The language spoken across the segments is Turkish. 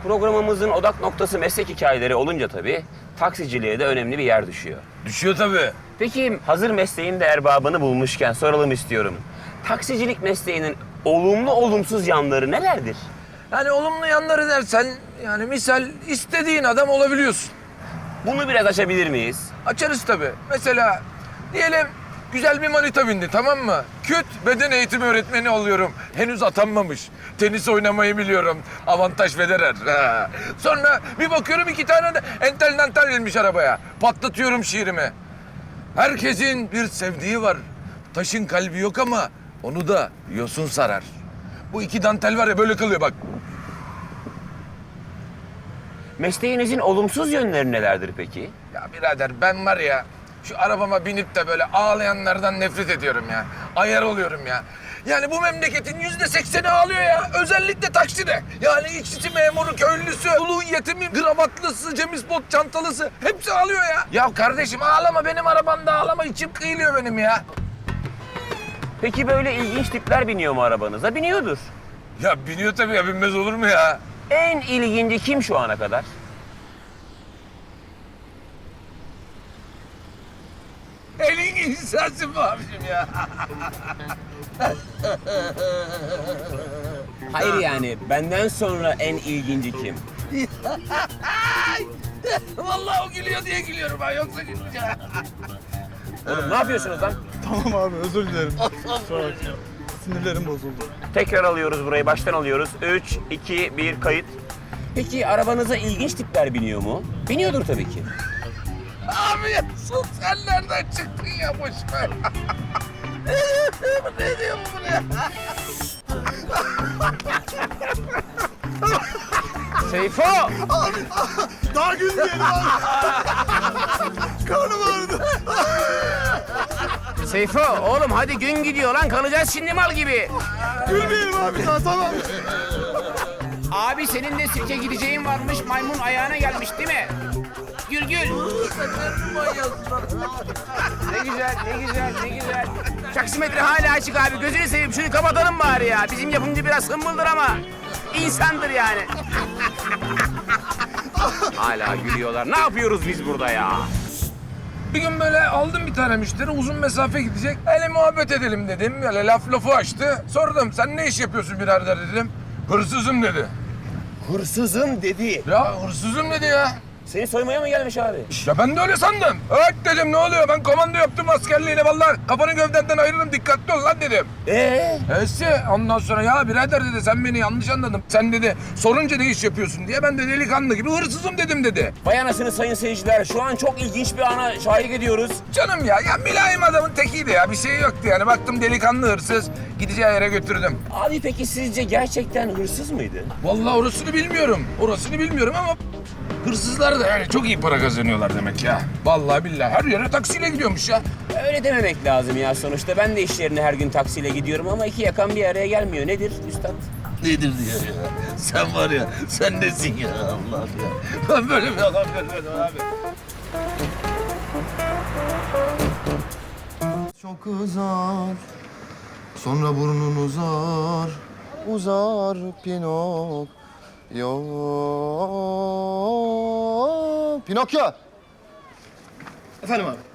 Programımızın odak noktası meslek hikayeleri olunca tabii taksiciliğe de önemli bir yer düşüyor. Düşüyor tabii. Peki hazır mesleğin de erbabını bulmuşken soralım istiyorum. Taksicilik mesleğinin olumlu olumsuz yanları nelerdir? Yani olumlu yanları dersen yani misal istediğin adam olabiliyorsun. Bunu biraz açabilir miyiz? Açarız tabii. Mesela diyelim güzel bir manita bindi, tamam mı? Küt beden eğitimi öğretmeni oluyorum. Henüz atanmamış. Tenis oynamayı biliyorum. Avantaj Federer. Ha. Sonra bir bakıyorum 2 tane de entel dantel gelmiş arabaya. Patlatıyorum şiirimi. Herkesin bir sevdiği var. Taşın kalbi yok ama onu da yosun sarar. Bu 2 dantel var ya böyle kılıyor bak. Mesleğinizin olumsuz yönleri nelerdir peki? Ya birader ben var ya şu arabama binip de böyle ağlayanlardan nefret ediyorum ya. Ayar oluyorum ya. Yani bu memleketin %80'i ağlıyor ya. Özellikle takside. Yani işçi memuru, köylüsü, ulu yetimi, gravatlısı, cemispot çantalısı hepsi ağlıyor ya. Ya kardeşim ağlama, benim arabamda ağlama, içim kıyılıyor benim ya. Peki böyle ilginç tipler biniyor mu arabanıza? Biniyordur. Ya biniyor tabii ya, binmez olur mu ya? En ilginci kim şu ana kadar? Elin insansın mı abicim ya? Hayır yani benden sonra en ilginci kim? Vallahi o gülüyor diye gülüyorum ben, yoksa gülmeyeceğim. Oğlum ne yapıyorsunuz lan? Tamam abi, özür dilerim. Kusura bakma. Sinirlerim bozuldu. Tekrar alıyoruz burayı, baştan alıyoruz. 3, 2, 1, kayıt. Peki arabanıza ilginç tipler biniyor mu? Biniyordur tabii ki. Abi ya sus, sen nereden çıktın ya, boş ver. Ne diyor bu buraya? Seyfo! Daha gülmeyelim abi. Karnım ağrıdı. Seyfo oğlum hadi gün gidiyor lan, kalacağız şimdi mal gibi. Gülmeyelim abi daha, tamam. Abi senin de sirke gideceğin varmış, maymun ayağına gelmiş değil mi? Gül gül. Ne güzel, ne güzel, ne güzel. Taksimetre hala açık abi, gözünü seveyim şunu kapatalım bari ya. Bizim yapımcı biraz hımbıldır ama insandır yani. Hala gülüyorlar. Ne yapıyoruz biz burada ya? Bir gün böyle aldım bir tane müşteri, uzun mesafe gidecek. Hele muhabbet edelim dedim. Böyle lafı açtı. Sordum, sen ne iş yapıyorsun birader dedim. Hırsızım dedi. Hırsızım dedi. Ya hırsızım dedi ya. Seni soymaya mı gelmiş abi? Ya ben de öyle sandım. Evet dedim, ne oluyor? Ben komando yaptım askerliğine vallahi. Kafanı gövdenden ayırırım, dikkatli ol lan dedim. Ondan sonra ya birader dedi, sen beni yanlış anladın. Sen dedi sorunca ne iş yapıyorsun diye, ben de delikanlı gibi hırsızım dedim dedi. Vay anasını sayın seyirciler, şu an çok ilginç bir ana şahit ediyoruz. Canım ya mülayim adamın tekiydi ya, bir şey yoktu yani. Baktım delikanlı hırsız, gideceği yere götürdüm. Abi peki sizce gerçekten hırsız mıydı? Vallahi orasını bilmiyorum. Orasını bilmiyorum ama hırsızlar da yani çok iyi para kazanıyorlar demek ya. Vallahi billahi her yere taksiyle gidiyormuş ya. Öyle dememek lazım ya sonuçta. Ben de iş yerine her gün taksiyle gidiyorum ama iki yakan bir araya gelmiyor. Nedir üstad? Nedir diyor ya? Sen var ya, sen nesin ya Allah ya? Ben böyle bir adam görmedim abi. Çok uzar, sonra burnun uzar, uzar Pinok. Pinokyo! Efendim abi.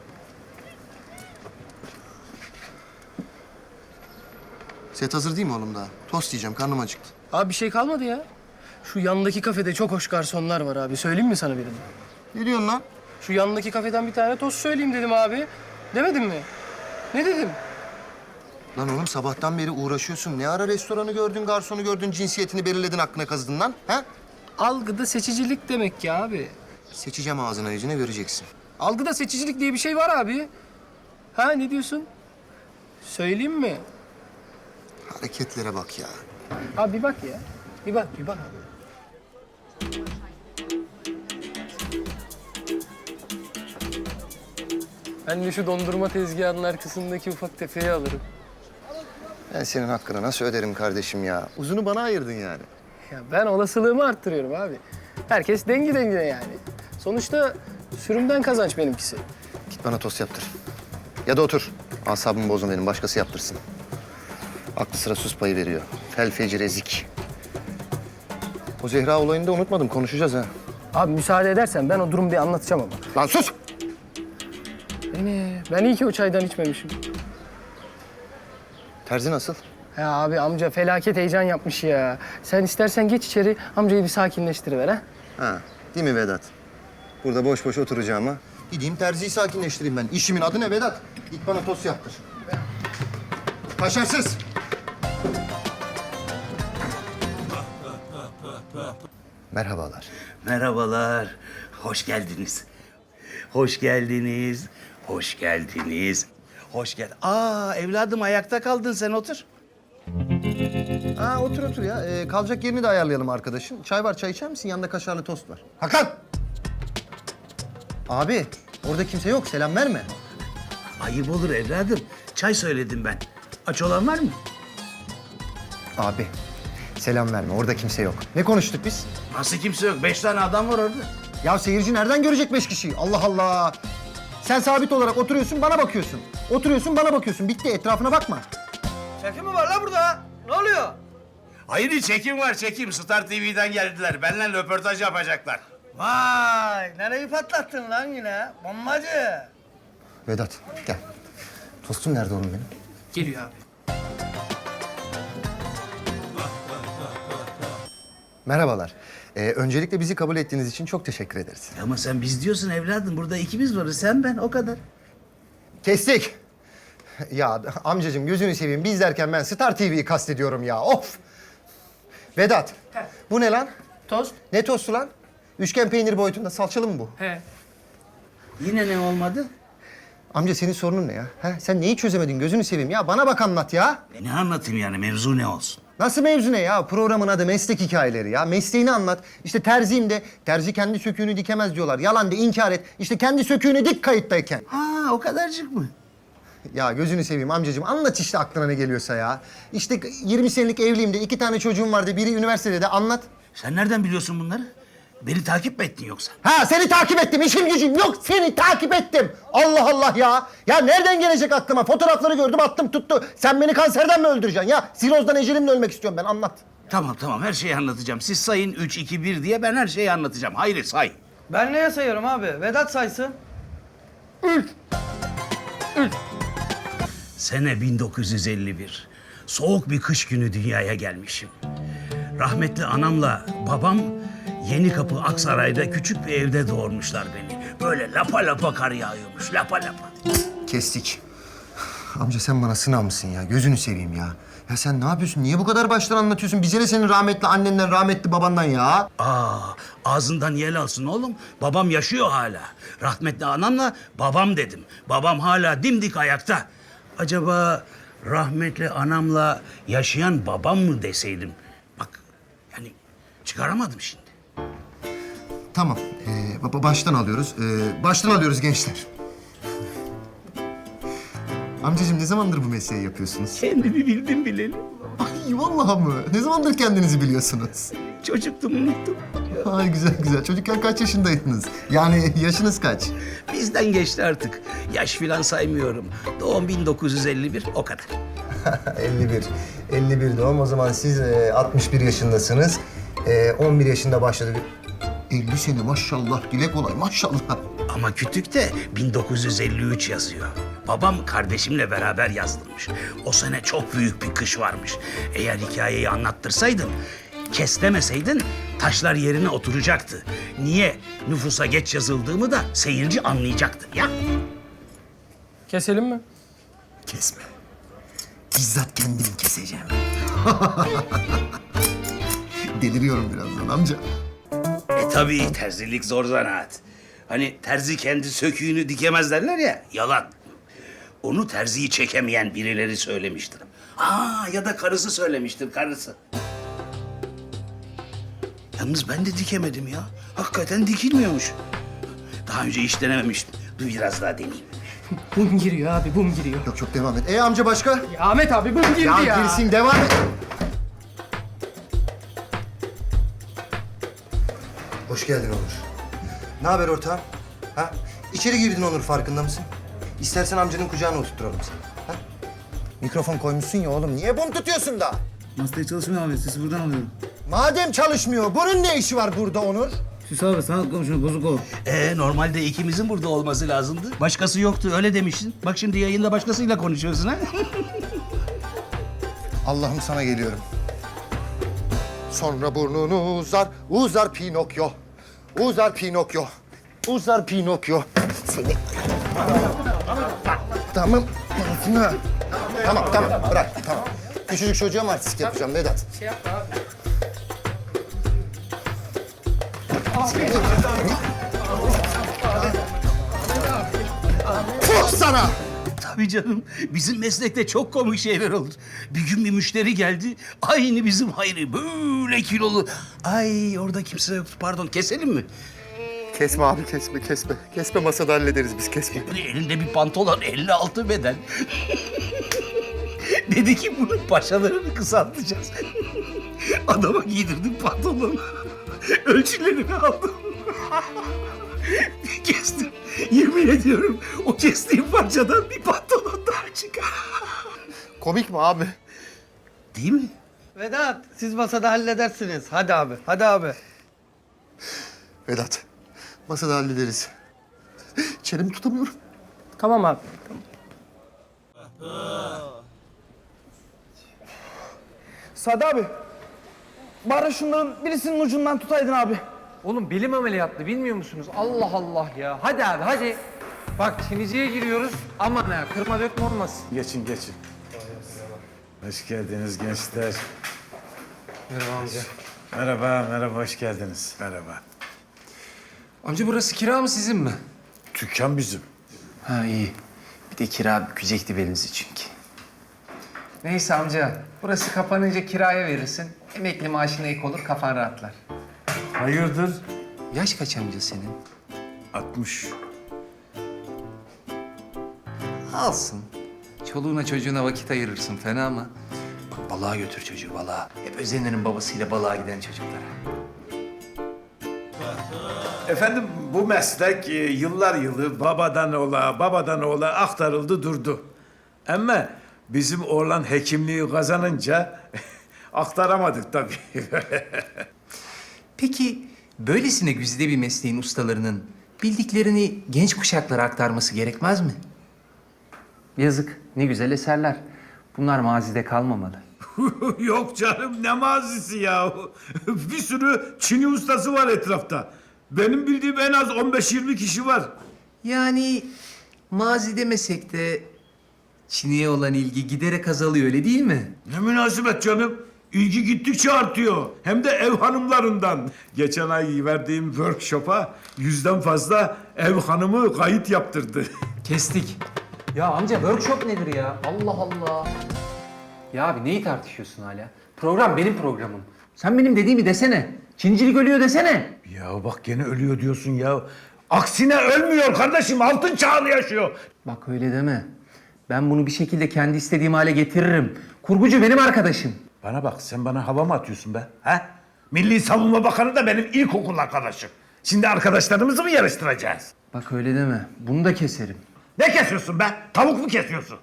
Set hazır değil mi oğlum daha? Tost yiyeceğim, karnım acıktı. Abi bir şey kalmadı ya. Şu yandaki kafede çok hoş garsonlar var abi. Söyleyeyim mi sana birini? Ne diyorsun lan? Şu yandaki kafeden bir tane tost söyleyeyim dedim abi. Demedim mi? Ne dedim? Lan oğlum sabahtan beri uğraşıyorsun. Ne ara restoranı gördün, garsonu gördün, cinsiyetini belirledin, aklına kazıdın lan? Ha? Algıda seçicilik demek ki abi. Seçeceğim ağzına yüzüne göreceksin. Algıda seçicilik diye bir şey var abi. Ha ne diyorsun? Söyleyeyim mi? Hareketlere bak ya. Abi bir bak ya. Bir bak, bir bak abi. Ben de şu dondurma tezgahının arkasındaki ufak tefeyi alırım. Ben senin hakkını nasıl öderim kardeşim ya? Uzunu bana ayırdın yani. Ya ben olasılığımı arttırıyorum abi. Herkes dengi dengine yani. Sonuçta sürümden kazanç benimkisi. Git bana tost yaptır. Ya da otur. Asabımı bozma benim, başkası yaptırsın. Aklı sıra sus payı veriyor. Fel feci rezik. O Zehra olayını da unutmadım. Konuşacağız ha. Abi müsaade edersen ben o durumu bir anlatacağım ama. Lan sus! Ben iyi ki o çaydan içmemişim. Terzi nasıl? Ya abi amca felaket heyecan yapmış ya. Sen istersen geç içeri amcayı bir sakinleştiriver ha. Ha, değil mi Vedat? Burada boş boş oturacağıma. Gideyim terziyi sakinleştireyim ben. İşimin adı ne Vedat? Git bana tost yaptır. Kaşarsız! Merhabalar. Merhabalar. Hoş geldiniz. Hoş geldiniz. Hoş geldiniz. Hoş gel. Aa evladım ayakta kaldın sen otur. Ha otur otur ya. Kalacak yerini de ayarlayalım arkadaşın. Çay var, çay içer misin? Yanında kaşarlı tost var. Hakan! Abi, orada kimse yok. Selam verme. Ayıp olur evladım. Çay söyledim ben. Aç olan var mı? Abi, selam verme. Orada kimse yok. Ne konuştuk biz? Nasıl kimse yok? 5 tane adam var orada. Ya seyirci nereden görecek 5 kişiyi? Allah Allah! Sen sabit olarak oturuyorsun, bana bakıyorsun. Oturuyorsun, bana bakıyorsun. Bitti, etrafına bakma. Çekim mi var la burada? Ne oluyor? Hayır çekim var çekim. Star TV'den geldiler. Benimle röportaj yapacaklar. Vay, nereyi patlattın lan yine? Bombacı. Vedat, gel. Tostum nerede oğlum benim? Geliyor abi. Merhabalar. Öncelikle bizi kabul ettiğiniz için çok teşekkür ederiz. Ama sen biz diyorsun evladım. Burada ikimiz varız. Sen ben o kadar. Kestik. Ya amcacığım gözünü seveyim. Biz derken ben Star TV'yi kastediyorum ya. Of! Vedat, bu ne lan? Tost. Ne tostu lan? Üçgen peynir boyutunda salçalı mı bu? He. Yine ne olmadı? Amca senin sorunun ne ya? Ha? Sen neyi çözemedin gözünü seveyim ya? Bana bak anlat ya. Ne anlatayım yani mevzu ne olsun? Nasıl mevzu ne ya? Programın adı meslek hikayeleri ya. Mesleğini anlat. İşte terziyim de terzi kendi söküğünü dikemez diyorlar. Yalan de inkar et. İşte kendi söküğünü dik kayıttayken. Ha o kadarcık mı? Ya gözünü seveyim amcacığım anlat işte aklına ne geliyorsa ya. İşte 20 senelik evliyim de 2 tane çocuğum vardı. Biri üniversitede de anlat. Sen nereden biliyorsun bunları? Beni takip mi ettin yoksa? Ha seni takip ettim. İşim gücüm yok. Seni takip ettim. Allah Allah ya. Ya nereden gelecek aklıma? Fotoğrafları gördüm attım tuttu. Sen beni kanserden mi öldüreceksin ya? Sirozdan ecelimle ölmek istiyorum ben anlat. Tamam her şeyi anlatacağım. Siz sayın 3, 2, 1 diye ben her şeyi anlatacağım. Hayır say. Ben neye sayıyorum abi? Vedat saysın. Sene 1951. Soğuk bir kış günü dünyaya gelmişim. Rahmetli anamla babam Yenikapı Aksaray'da küçük bir evde doğurmuşlar beni. Böyle lapa lapa kar yağıyormuş, lapa lapa. Kestik. Amca sen bana sınav mısın ya? Gözünü seveyim ya. Ya sen ne yapıyorsun? Niye bu kadar baştan anlatıyorsun? Bize de senin rahmetli annenden, rahmetli babandan ya. Ağzından yel alsın oğlum. Babam yaşıyor hala. Rahmetli anamla babam dedim. Babam hala dimdik ayakta. Acaba rahmetli anamla yaşayan babam mı deseydim? Bak yani çıkaramadım şimdi. Tamam. Baştan alıyoruz. Baştan alıyoruz gençler. Amcacığım ne zamandır bu mesleği yapıyorsunuz? Kendimi bildim bileli. Ay vallahi mı? Ne zamandır kendinizi biliyorsunuz? Çocuktum unuttum. Ay güzel güzel. Çocukken kaç yaşındaydınız? Yani yaşınız kaç? Bizden geçti artık. Yaş filan saymıyorum. Doğum 1951 o kadar. 51. 51 doğum. O zaman siz 61 yaşındasınız. 11 yaşında başladı. 50 sene maşallah. Dile kolay maşallah. Ama kütükte 1953 yazıyor. Babam kardeşimle beraber yazdırmış. O sene çok büyük bir kış varmış. Eğer hikayeyi anlattırsaydın, kes demeseydin taşlar yerine oturacaktı. Niye nüfusa geç yazıldığımı da seyirci anlayacaktı ya. Keselim mi? Kesme. Bizzat kendim keseceğim. Deliriyorum birazdan amca. Tabii terzilik zor zanaat. Hani terzi kendi söküğünü dikemez derler ya, yalan. Onu terziyi çekemeyen birileri söylemiştir. Ya da karısı söylemiştir, karısı. Yalnız ben de dikemedim ya. Hakikaten dikilmiyormuş. Daha önce hiç denememiştim. Dur biraz daha deneyeyim. Bum giriyor abi bum giriyor. Yok çok devam et. Amca başka? Ya Ahmet abi bum girdi ya. Ya girsin devam et. Hoş geldin Onur. Ne haber ortağım? Ha? İçeri girdin Onur farkında mısın? İstersen amcanın kucağına oturtturalım seni. Ha? Mikrofon koymuşsun ya oğlum. Niye bum tutuyorsun da? Masaya çalışmıyor abi. Sesi buradan alıyorum. Madem çalışmıyor, bunun ne işi var burada Onur? Sus abi sanat komşunu bozuk ol. Normalde ikimizin burada olması lazımdı. Başkası yoktu öyle demiştin. Bak şimdi yayında başkasıyla konuşuyorsun ha. Allah'ım sana geliyorum. Sonra burnunu uzar, uzar Pinokyo. Uzar Pinokyo. Uzar Pinokyo. Seni... Tamam. Tamam, bırak, tamam. Küçücük çocuğa mı artistik yapacağım Vedat? Puh sana! Tabii canım. Bizim meslekte çok komik şeyler olur. Bir gün bir müşteri geldi. Aynı bizim Hayri. Böyle kilolu. Ay orada kimse yoktu. Pardon keselim mi? Kesme abi, kesme. Kesme, masada hallederiz biz, kesme. Böyle elinde bir pantolon 56 beden. Dedi ki bunun paçalarını kısaltacağız. Adama giydirdim pantolonu. Ölçülerini aldım. Kestim. Yemin ediyorum o kestiğim parçadan bir pantolon daha çıkar. Komik mi abi? Değil mi? Vedat siz masada halledersiniz. Hadi abi, hadi abi. Vedat, masada hallederiz. Çenemi tutamıyorum. Tamam abi. Sadi abi. Bari şunların birisinin ucundan tutaydın abi. Oğlum bilim ameliyatlı bilmiyor musunuz? Allah Allah ya. Hadi abi hadi. Bak Çiniciye giriyoruz. Aman ha kırma dökme olmasın. Geçin. Hoş geldiniz gençler. Merhaba amca. Merhaba, hoş geldiniz. Merhaba. Amca burası kira mı sizin mi? Dükkan bizim. Ha iyi. Bir de kira bükecekti belimizi çünkü. Neyse amca. Burası kapanınca kiraya verirsin. Emekli maaşına ek olur kafan rahatlar. Hayırdır? Yaş kaç amca senin? 60. Alsın. Çoluğuna çocuğuna vakit ayırırsın fena mı? Bak balığa götür çocuğu balığa. Hep özenirim babasıyla balığa giden çocuklara. Efendim bu meslek yıllar yılı babadan oğula aktarıldı durdu. Ama bizim oğlan hekimliği kazanınca aktaramadık tabii. Peki böylesine güzide bir mesleğin ustalarının bildiklerini genç kuşaklara aktarması gerekmez mi? Yazık, ne güzel eserler. Bunlar mazide kalmamalı. Yok canım ne mazisi ya. Bir sürü Çin'i ustası var etrafta. Benim bildiğim en az 15-20 kişi var. Yani mazi demesek de Çin'e olan ilgi giderek azalıyor öyle değil mi? Ne münasebet canım. İlgi gittikçe artıyor. Hem de ev hanımlarından. Geçen ay verdiğim workshop'a 100'den fazla ev hanımı kayıt yaptırdı. Kestik. Ya amca workshop nedir ya? Allah Allah. Ya abi neyi tartışıyorsun hala? Program benim programım. Sen benim dediğimi desene. Çincilik ölüyor desene. Ya bak gene ölüyor diyorsun ya. Aksine ölmüyor kardeşim. Altın çağını yaşıyor. Bak öyle deme. Ben bunu bir şekilde kendi istediğim hale getiririm. Kurgucu benim arkadaşım. Bana bak sen bana hava mı atıyorsun be? Ha? Milli Savunma Bakanı da benim ilkokul arkadaşım. Şimdi arkadaşlarımızı mı yarıştıracağız? Bak öyle deme. Bunu da keserim. Ne kesiyorsun be? Tavuk mu kesiyorsun?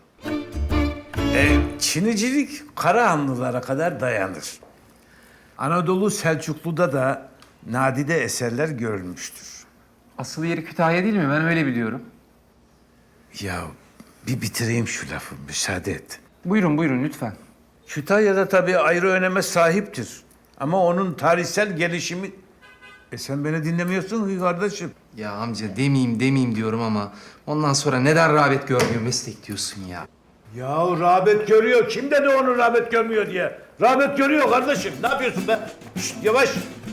Çinicilik Karahanlılara kadar dayanır. Anadolu Selçuklu'da da nadide eserler görülmüştür. Asıl yeri Kütahya değil mi? Ben öyle biliyorum. Ya bir bitireyim şu lafı, müsaade et. Buyurun lütfen. Kütahya'da tabii ayrı öneme sahiptir. Ama onun tarihsel gelişimi... sen beni dinlemiyorsun ki kardeşim. Ya amca demeyeyim diyorum ama ondan sonra neden rağbet görmüyor meslek diyorsun ya. Ya rağbet görüyor. Kim dedi onu rağbet görmüyor diye? Rağbet görüyor kardeşim. Ne yapıyorsun be? Şşt, yavaş.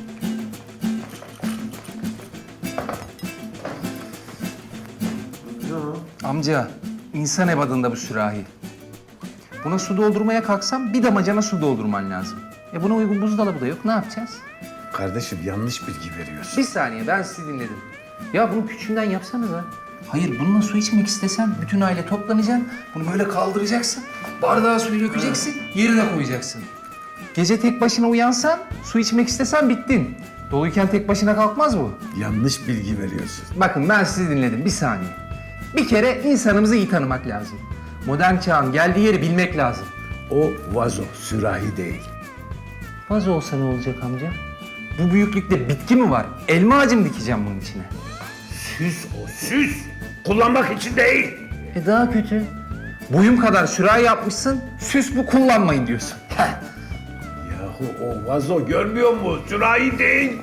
Amca insan ebadında bu sürahi. Buna su doldurmaya kalksam bir damacana su doldurman lazım. Buna uygun buzdolabı da yok. Ne yapacağız? Kardeşim yanlış bilgi veriyorsun. Bir saniye ben sizi dinledim. Ya bunu küçüğünden yapsanıza. Hayır bununla su içmek istesen bütün aile toplanacaksın. Bunu böyle kaldıracaksın. Bardağa suyu dökeceksin. Yerine koyacaksın. Gece tek başına uyansan su içmek istesen bittin. Doluyken tek başına kalkmaz bu. Yanlış bilgi veriyorsun. Bakın ben sizi dinledim bir saniye. Bir kere insanımızı iyi tanımak lazım. Modern çağın geldiği yeri bilmek lazım. O vazo, sürahi değil. Vazo olsa ne olacak amca? Bu büyüklükte bitki mi var? Elma ağacı mı dikeceğim bunun içine? Süs o, süs. Kullanmak için değil. Daha kötü. Boyum kadar sürahi yapmışsın, süs bu kullanmayın diyorsun. Yahu o vazo görmüyor mu? Sürahi değil.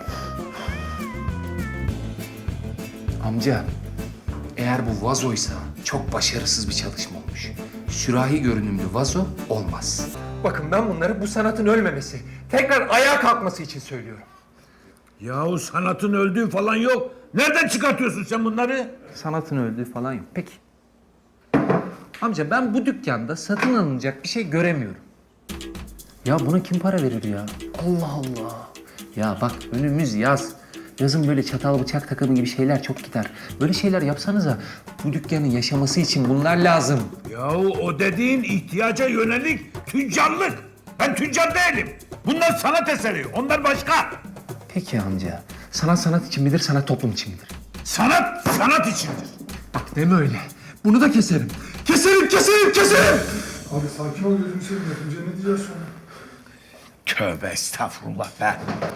Amca, eğer bu vazoysa çok başarısız bir çalışma olmuş. Sürahi görünümlü vazo olmaz. Bakın ben bunları bu sanatın ölmemesi, tekrar ayağa kalkması için söylüyorum. Yahu sanatın öldüğü falan yok. Nereden çıkartıyorsun sen bunları? Sanatın öldüğü falan yok. Peki. Amca ben bu dükkanda satın alınacak bir şey göremiyorum. Ya buna kim para verir ya? Allah Allah. Ya bak önümüz yaz. Yazın böyle çatal bıçak takımı gibi şeyler çok gider. Böyle şeyler yapsanıza. Bu dükkanın yaşaması için bunlar lazım. Yahu o dediğin ihtiyaca yönelik tüccarlık. Ben tüccar değilim. Bunlar sanat eseri. Onlar başka. Peki amca. Sanat sanat için midir, sanat toplum için midir? Sanat sanat içindir. Bak deme öyle. Bunu da keserim. Keserim, keserim, keserim. Abi sakin ol gözünü seveyim. Yapınca ne diyeceğiz sonra? Tövbe estağfurullah be.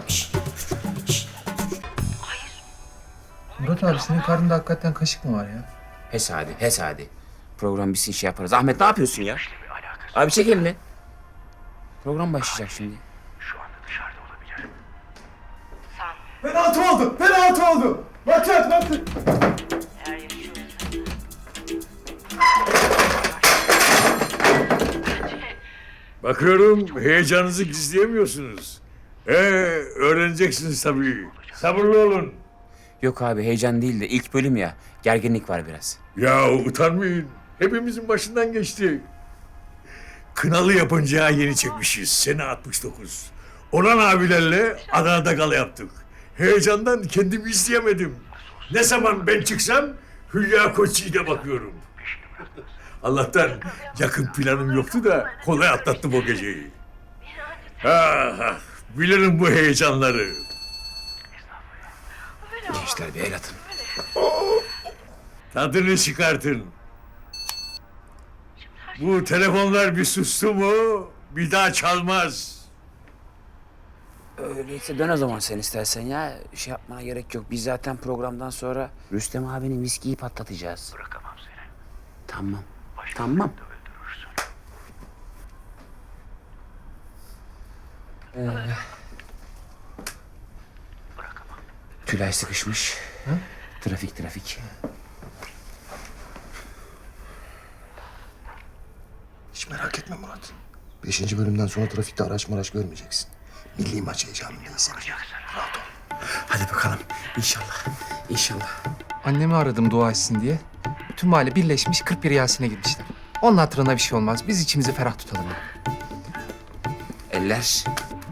Murat abi senin karnında hakikaten kaşık mı var ya? Hes hadi. Program bitsin şey yaparız. Ahmet ne yapıyorsun ya? Abi çek elini. Program başlayacak şimdi. Penaltı oldu! Penaltı oldu! Maç at, maç at! Bakıyorum heyecanınızı gizleyemiyorsunuz. Öğreneceksiniz tabii. Sabırlı olun. Yok abi heyecan değil de ilk bölüm ya. Gerginlik var biraz. Ya utanmayın. Hepimizin başından geçti. Kınalı yapınca yeni çekmişiz. Sene 69. Orhan abilerle Adana'da gala yaptık. Heyecandan kendimi izleyemedim. Ne zaman ben çıksam Hülya Koçyiğit'e bakıyorum. Allah'tan yakın planım yoktu da kolay atlattım o geceyi. Bilirim bu heyecanları. Gençler bir el atın. Tadını çıkartın. Bu telefonlar bir sustu mu bir daha çalmaz. Öyleyse dön o zaman sen istersen ya. Şey yapmana gerek yok. Biz zaten programdan sonra Rüstem abinin viskiyi patlatacağız. Bırakamam seni. Tamam. Tamam. Tülay sıkışmış. Trafik. Hiç merak etme Murat. 5. bölümden sonra trafikte araç maraç görmeyeceksin. Milli maç heyecanında izleyeceksin. Rahat ol. Hadi bakalım. İnşallah. Annemi aradım dua etsin diye. Bütün mahalle birleşmiş 41 Yasin'e gitmişler. Onun hatırına bir şey olmaz. Biz içimizi ferah tutalım. Eller.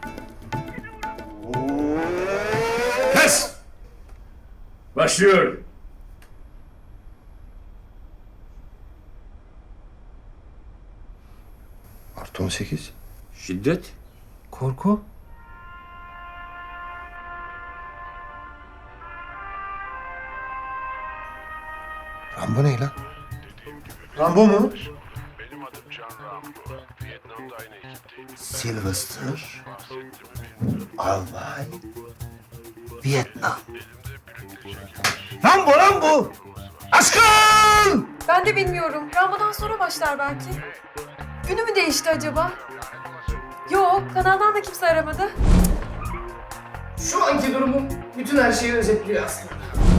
Kes! Başlıyor. Artı 18. Şiddet. Korku. Rambo ne lan? Rambo mu? Sylvester. Albay. Vietnam. Rambo! Aşkım! Ben de bilmiyorum. Rambo'dan sonra başlar belki. Günü mü değişti acaba? Yok, kanaldan da kimse aramadı. Şu anki durumum bütün her şeyi özetliyor aslında.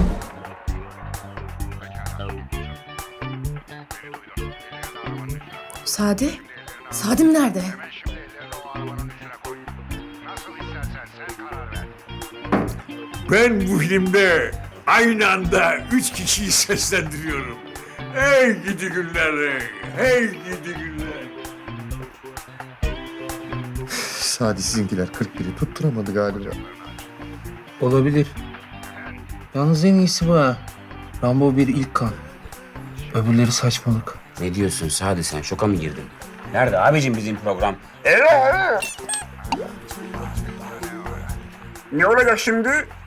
Sadi? Sadim nerede? Ben bu filmde aynı anda 3 kişiyi seslendiriyorum. Hey gidi günler, hey gidi günler. Sadi sizinkiler 41'i tutturamadı galiba. Olabilir. Yalnız en iyisi bu ha. Rambo bir ilk kan. Öbürleri saçmalık. Ne diyorsun Sadi sen? Şoka mı girdin? Nerede abicim bizim program? Ne olacak şimdi?